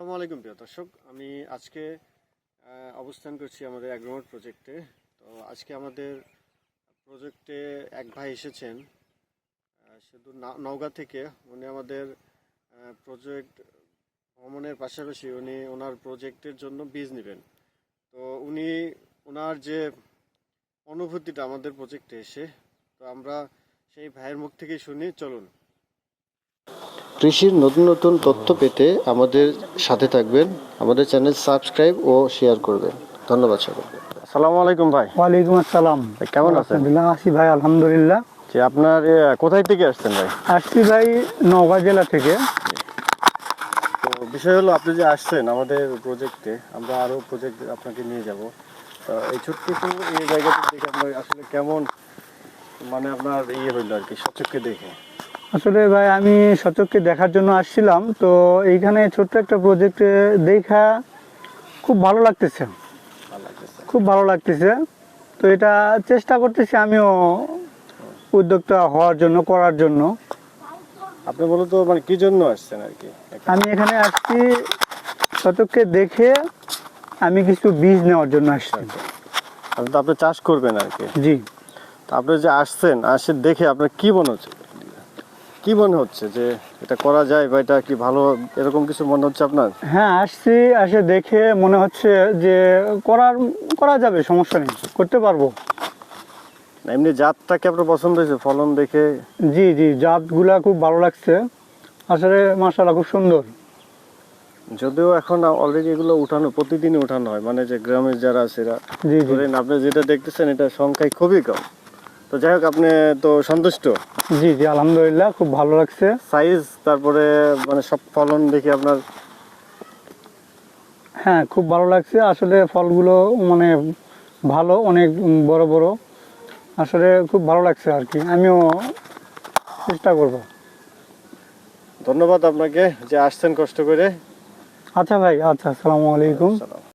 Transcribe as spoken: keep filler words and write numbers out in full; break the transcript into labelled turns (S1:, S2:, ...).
S1: আসসালামু আলাইকুম প্রিয় দর্শক, আমি আজকে অবস্থান করছি আমাদের অ্যাগ্রোমোড প্রজেক্টে। তো আজকে আমাদের প্রজেক্টে এক ভাই এসেছেন শুধু নওগাঁ থেকে। উনি আমাদের প্রজেক্ট ভ্রমণের পাশাপাশি উনি ওনার প্রজেক্টের জন্য বীজ নেবেন। তো উনি ওনার যে অনুভূতিটা আমাদের প্রজেক্টে এসে, তো আমরা সেই ভাইয়ের মুখ থেকেই শুনি। চলুন। কৃষির নতুন নতুন তথ্য পেতে আমাদের সাথে থাকবেন, আমাদের চ্যানেল সাবস্ক্রাইব ও শেয়ার করবেন। ধন্যবাদ সকলকে। আসসালামু আলাইকুম ভাই।
S2: ওয়ালাইকুম আসসালাম।
S1: কেমন আছেন?
S2: আছি ভাই, আলহামদুলিল্লাহ।
S1: যে আপনার কোথায় থেকে আসছেন ভাই?
S2: আসছি ভাই নওগাঁ জেলা থেকে।
S1: তো বিষয় হলো, আপনি যে আসছেন আমাদের প্রজেক্টে, আমরা আরও প্রজেক্ট আপনাকে নিয়ে যাব। তো এই ছোট্ট এই জায়গাটা দেখে আপনার আসলে কেমন, মানে আপনার ইয়ে হইলো আর কি সচক্ষে দেখে?
S2: আসলে ভাই আমি সচক্ষে দেখার জন্য আসছিলাম, তো এইখানে ছোট্ট একটা প্রজেক্টে দেখা খুব ভালো লাগতেছে, খুব ভালো লাগতেছে। তো এটা চেষ্টা করতেছি আমিও উদ্যোক্তা হওয়ার জন্য, করার জন্য।
S1: আপনি মূলত মানে কি জন্য আসছেন আর কি?
S2: আমি এখানে আসছি শতককে দেখে আমি কিছু বীজ নেওয়ার জন্য আসছি।
S1: আপনি তো আপনি চাষ করবেন আর কি?
S2: জি।
S1: তো আপনি যে আসছেন, আসে দেখে আপনার কি মনে হচ্ছে, কি মনে হচ্ছে যে এটা করা যায় বা এটা কি ভালো, এরকম কিছু মনে হচ্ছে আপনার?
S2: হ্যাঁ, আসছি, আসে দেখে মনে হচ্ছে যে করার করা যাবে, সমস্যা নেই, করতে পারবো।
S1: এমনি জাতটা কি আপনার পছন্দ হয়েছে ফলন দেখে?
S2: জি জি, জাতগুলা খুব ভালো লাগছে আসলে, মাশাআল্লাহ খুব সুন্দর।
S1: যদিও এখন অলরেডি এগুলো উঠানো, প্রতিদিনই উঠানো হয়, মানে যে গ্রামের যারা আছে এরা ধরেন, আপনি যেটা দেখতেছেন এটা সংখ্যায় খুবই কম। তো যাই হোক, আপনি তো সন্তুষ্ট?
S2: জি জি, আলহামদুলিল্লাহ, খুব ভালো লাগছে।
S1: সাইজ, তারপরে মানে সব ফলন দেখে আপনার?
S2: হ্যাঁ, খুব ভালো লাগছে আসলে, ফলগুলো মানে ভালো, অনেক বড় বড়, আসলে খুব ভালো লাগছে আর কি। আমিও চেষ্টা করব।
S1: ধন্যবাদ আপনাকে যে আসছেন কষ্ট করে।
S2: আচ্ছা ভাই, আচ্ছা, আসসালামু আলাইকুম।